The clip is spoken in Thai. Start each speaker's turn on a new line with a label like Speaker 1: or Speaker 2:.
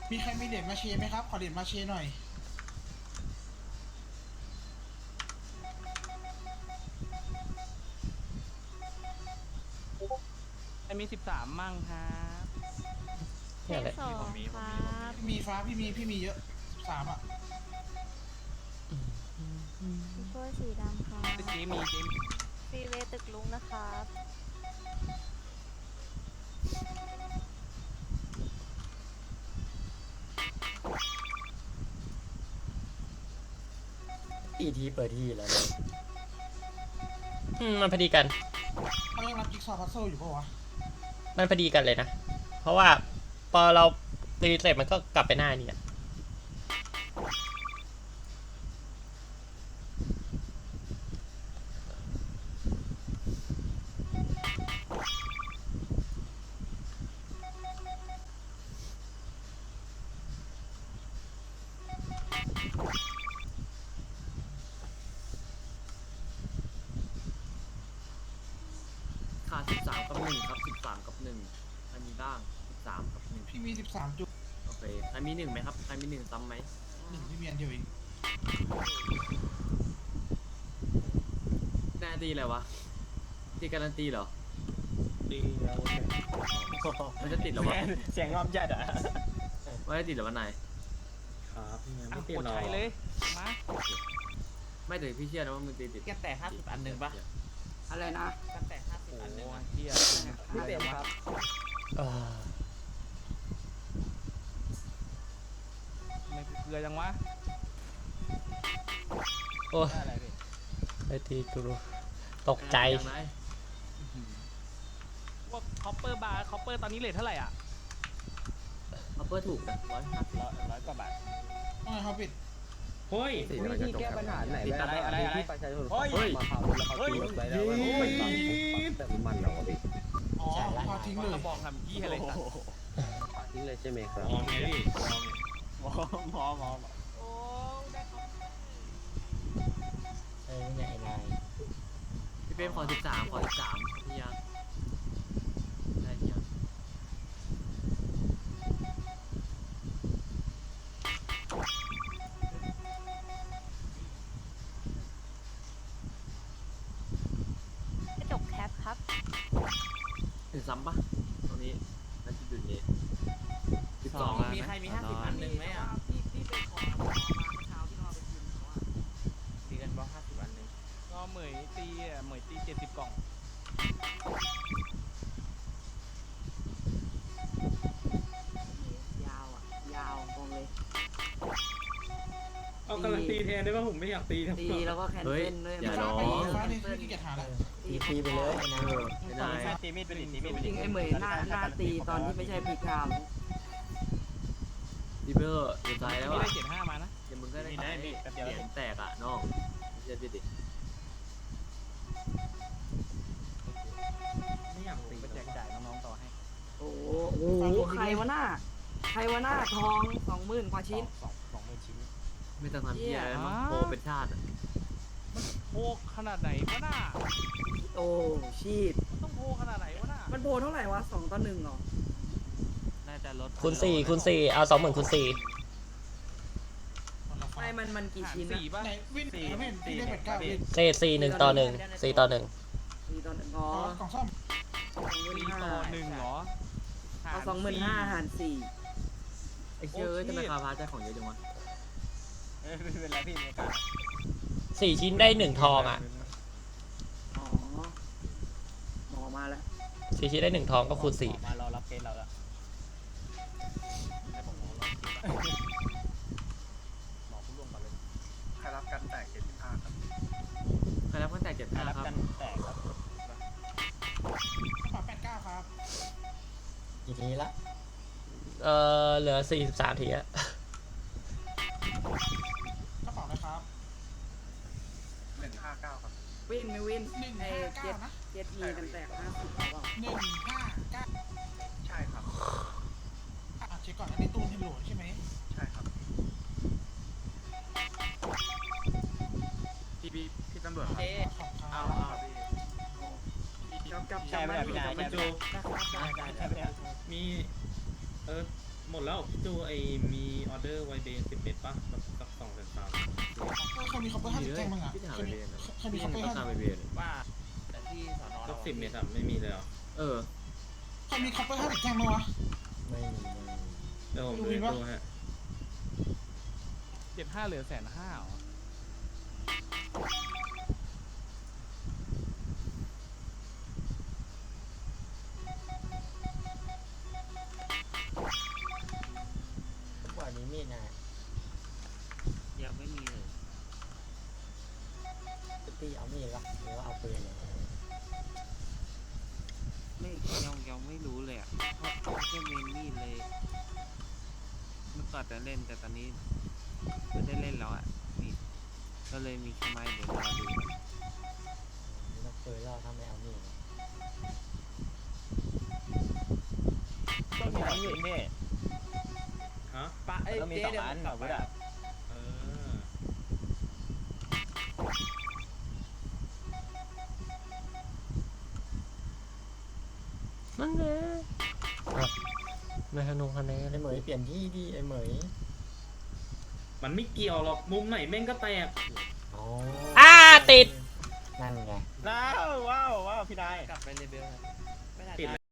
Speaker 1: มีใครมีเหรียญมาเชไหมครับขอเหรียญมาเชหน่อย
Speaker 2: มี13มั่งครับ
Speaker 3: เนี่ยแหละ
Speaker 4: สองครับ
Speaker 1: มีฟ้าพี่มีเยอะ13อ่ะ
Speaker 4: พี่โก้สีดำครับ
Speaker 2: เจ๊มี
Speaker 4: ฟีเวตึกลุงนะครับ
Speaker 3: อีทีเปิดที่แล้วเนี่ยมันพอดีกัน
Speaker 1: เขายังรับจิ๊กซอว์พัซเซิลอยู่ปะวะ
Speaker 3: มันพอดีกันเลยนะ เพราะว่าพอเราตีเสร็จมันก็กลับไปหน้านี่อ่ะ
Speaker 5: ขาด13 กับ 1 ครับ13 กับ 1ใครมีบ้าง13 กับ 1
Speaker 1: พี่มี13จุด
Speaker 5: โอเคใครมี1ไหมครับใครมี1ซ้ำไหม
Speaker 1: 1พี่มีอันเดียวเอง
Speaker 5: แน่ตีอะไรวะตีการันตีเหรอ
Speaker 3: ดีแล้ว
Speaker 5: มันจะติดเหรอวะ
Speaker 3: เสียงงอมจัดอ่ะ
Speaker 5: ไม่ได้ติดเหรอวะนาย
Speaker 3: ครับยัง
Speaker 2: อ่ะ
Speaker 3: ไม่ติด
Speaker 2: กด
Speaker 3: หรอ
Speaker 2: ใช้เลยมา
Speaker 5: ไม่แต่พี่เชื่อนะว่ามึงตีติด
Speaker 6: แกแต่50 อันหนึ่งปะอะไรนะแกแต่50
Speaker 2: โอ้
Speaker 6: อันหนึ่ง
Speaker 2: เฮีย
Speaker 6: ไม่เต็มครับ
Speaker 2: ไม่เกลือจังวะ
Speaker 3: โอ้ย
Speaker 6: อะไรพี่
Speaker 3: ไอทีกูตกใจ
Speaker 5: ยังไง
Speaker 2: พวกคอปเปอร์บาร์คอปเปอร์ตอนนี้เรทเท่าไหร่อ่ะ
Speaker 5: เอาเปิดถูกนะ150
Speaker 6: ร้อยกว่าบาท
Speaker 1: ว่าไงครับปิด
Speaker 3: เฮ้ย
Speaker 7: วิธีแก้ปัญหาไหน
Speaker 5: ติดอะไร
Speaker 7: ที่ประชาชน
Speaker 6: เฮ้ย
Speaker 7: มาเผาแล้วเขาตีรถไว้แล้วว่าแต่มันเราพี่
Speaker 1: อ๋อพาทิ้งเลย
Speaker 2: กระบอกทำยี่อะไรสัก
Speaker 7: ทิ้งเลยใช่ไหมครับ
Speaker 6: มองไงพี่มอง
Speaker 2: โอ้ได้ครับ
Speaker 3: เนี่ยไอ้นาย
Speaker 5: พี่เป้ขอ13พี่ยังได้พี่ยัง
Speaker 4: กระจกแคปครับ
Speaker 5: ถึงซ้ำปะตรงนี้น่าจะอยู่นี่12
Speaker 6: มีใครมี50 อันหนึ่งไหมอ่ะ
Speaker 2: พี่ไปขอมาเมื่อเช้าที่นอนไปกินเขาอ่ะ
Speaker 6: ตีกันบอก50 อันหนึ่ง
Speaker 2: ก็เหมยตี70 กล่อง
Speaker 6: ยาวอ่ะยาวตรงเลย
Speaker 8: เอาการันตีแทนได้ป่ะผมไม่อยากตีทั้ง
Speaker 6: ตีแล้วก็แคน
Speaker 5: เฮ้ย
Speaker 6: เซิลด้วย
Speaker 5: อย่าร้อง
Speaker 1: ฟ้านี่พี่เกียรหาแล้ว
Speaker 3: ตีไปเลยไอ้นาย
Speaker 5: ไม่ได้
Speaker 2: ตีมีดไปดิตีมีดไป
Speaker 6: จ
Speaker 2: ดิ
Speaker 6: ริงไอ้เหมยหน้าตีตอนที่ไม่ใช่พีคาม
Speaker 5: ดิเบอร์สุดท้ายแล้ว
Speaker 2: ไม่
Speaker 5: อ่ะ
Speaker 2: ได้75มานะ
Speaker 5: เดี๋ยวมึงก็ได้ขายเหรียญแตกอ่ะน้องไม่ใช่พี่ดิ
Speaker 8: ไม่อยากตี
Speaker 2: ไปแจกจ่ายน้องๆต่อให้
Speaker 6: โอ้โหใครวะหน้าทอง 20,000 กว่าชิ้น
Speaker 2: 20,000 ชิ้น
Speaker 5: ไม่ต้องทำเพี้ยอะไรมั้งโปรเป็นชาติอ่ะ
Speaker 2: โพกขนาดไหนวะน่า
Speaker 6: โอ้ชีต
Speaker 2: มันต้องโพกขนาดไหนวะน่า
Speaker 6: มันโพเท่าไหร่วะ2 ต่อ 1เหรอ
Speaker 2: น่าจะลด
Speaker 3: คูณ4เอา20,000คูณ4
Speaker 6: ไม่มันกี่
Speaker 2: หาร
Speaker 6: ชิ้น
Speaker 2: สี่ป่ะ
Speaker 1: ไหนวินไม่เห็นพี่ได้89วิน
Speaker 3: เศษ4 1 ต่อ 1 4 ต่อ 1
Speaker 6: 4 ต่อ 1อ๋อ
Speaker 1: กล่องซ่อม
Speaker 2: 4 ต่อ 1เหรอ
Speaker 6: เอา25,000 หาร
Speaker 5: ไอ้เชื่อทำไมคาพาใจของเยอะจังวะ
Speaker 2: ไม่เป็นไรพี่ในการ
Speaker 3: 4 ชิ้นได้1ทองอ่ะ
Speaker 6: 4อ๋อหมอมาแล้ว
Speaker 3: 4 ชิ้นได้1ทองก็คูณ4
Speaker 2: มารอรับเคสเราแล้วให้ผมรอรับเคสหมอผู้ร่วมก่อนเลย
Speaker 5: ใครรับกันแตก 75 ครับ
Speaker 2: รับกันแตกครับ
Speaker 1: กระเป๋า89ครับ
Speaker 3: กี่ทีละเหลือ43ทีอะ
Speaker 1: กระเป๋านะครับ
Speaker 5: 159 ครับ
Speaker 6: วินไม่วินไอ้เจ็ด
Speaker 1: 159นะ
Speaker 6: เจ็ดอีกันแตก50เปล่า
Speaker 1: 159
Speaker 5: ใช่ครับ
Speaker 1: เช็คก่อนอันนี้ตู้ที่โหลดใช่ไหม
Speaker 5: ใช่ครับ พี่ตำรวจครับ
Speaker 1: ขอบครับ
Speaker 6: กับ
Speaker 8: ใช่ไหมพี่นาย
Speaker 6: มั
Speaker 8: ใช่
Speaker 6: น
Speaker 8: ไหม
Speaker 6: จู
Speaker 8: มีหมดแล้วจูไอมีออเดอร์ไวเบน10 เม็ดป่ะสัก2-3
Speaker 1: ใครมีคอปเปอร์50แจ้งบ้างอ่ะ
Speaker 5: พี่ถาม
Speaker 1: ใคร
Speaker 5: ไป
Speaker 1: มี
Speaker 5: เรียน
Speaker 1: ใครมี
Speaker 5: พี่
Speaker 1: คอปเปอร์
Speaker 5: ต้องการ
Speaker 1: 50
Speaker 5: ไปเรียน
Speaker 2: ว่าแต่ที่สอนอ
Speaker 8: สั
Speaker 2: เรา
Speaker 8: ก10 เม็ดอะไม่มีเลยเหรอ
Speaker 5: เออ
Speaker 1: ใครมีคอปเปอร์50แจ้งบ้างวะ
Speaker 7: ไม่มี
Speaker 8: เดี๋ยวผมดูดูฮะ
Speaker 2: 75เหลือ150,000เหรอ
Speaker 7: ทุกวันนี้มีนะ
Speaker 2: ยังไม่มีเลย
Speaker 7: ตีเอามีดวะหรือว่าเอาปืนเนี่ย
Speaker 2: ไม่ยังไม่รู้เลยอ่ะเพราะแค่เมนมีดเลย เมื่อก่อนจะเล่นแต่ตอนนี้ไม่ได้เล่นแล้วอ่ะมีดก็เลยมีแค่ไม้เดี๋ยวรอดู
Speaker 7: ไม่ต้องปืนแล้วถ้าไม่เอามีด
Speaker 9: ต้องมี2 อันอยู่นี่
Speaker 8: ฮะ
Speaker 2: ปะไอ้
Speaker 9: ต้องมี
Speaker 2: เจ๊
Speaker 9: 2
Speaker 2: เดี๋ยว
Speaker 9: อัน
Speaker 2: กลั
Speaker 9: อา
Speaker 2: บ
Speaker 9: วุ
Speaker 2: ไป
Speaker 9: ธอ่ะ
Speaker 3: นั่นแหละไม่ขนงคะแนน
Speaker 7: ไอ้เหมยเปลี่ยนที่ดีไอ้เหมย
Speaker 8: มันไม่เกี่ยวหรอกมุมไหนแม่งก็แตก
Speaker 7: อ๋อ
Speaker 3: ติด
Speaker 7: นั่นไง
Speaker 9: ว้าวพี่นาย
Speaker 2: กลับไปเลเบลนะไม่น่า
Speaker 8: ติด
Speaker 2: ได้